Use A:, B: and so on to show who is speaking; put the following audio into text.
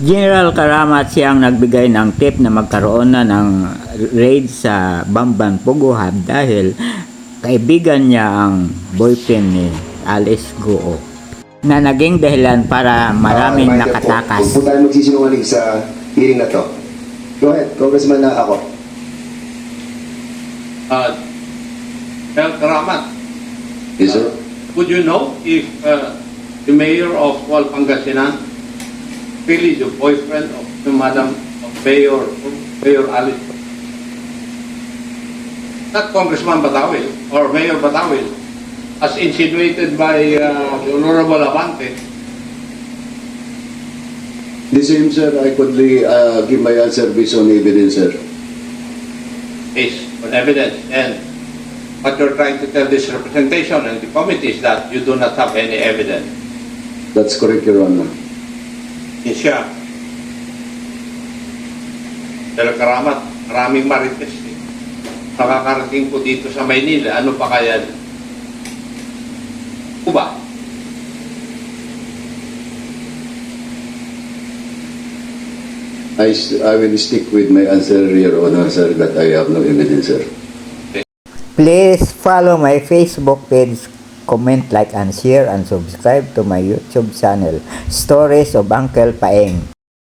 A: General Karamat siyang nagbigay ng tip na magkaroon na ng raid sa Bamban Pugo Hub dahil kaibigan niya ang boyfriend ni Alice Guo na naging dahilan para maraming nakatakas.
B: Huwag po tayo magsisinungaling sa hearing na to. Go ahead, Congressman na ako.
C: General Karamat,
B: Yes, sir.
C: would you know if the mayor of Kuala Pangasinan really the boyfriend of the Madam Mayor Alice? Not Congressman Batawil or Mayor Batawil, as insinuated by the Honorable Abante.
D: The same, sir. I could give my answer based on evidence, sir.
C: Based on evidence, and what you're trying to tell this representation and the committee is that you do not have any evidence.
D: That's correct, Your Honor.
C: Yes, siya. Pero Karamat, maraming marites. Nakakarating po dito sa Maynila, ano pa kaya? Kuba?
D: I will stick with my answer, Your Honor, sir, that I have no evidence, sir.
A: Please follow my Facebook page, comment, like, and share, and subscribe to my YouTube channel, Stories of Uncle Paeng.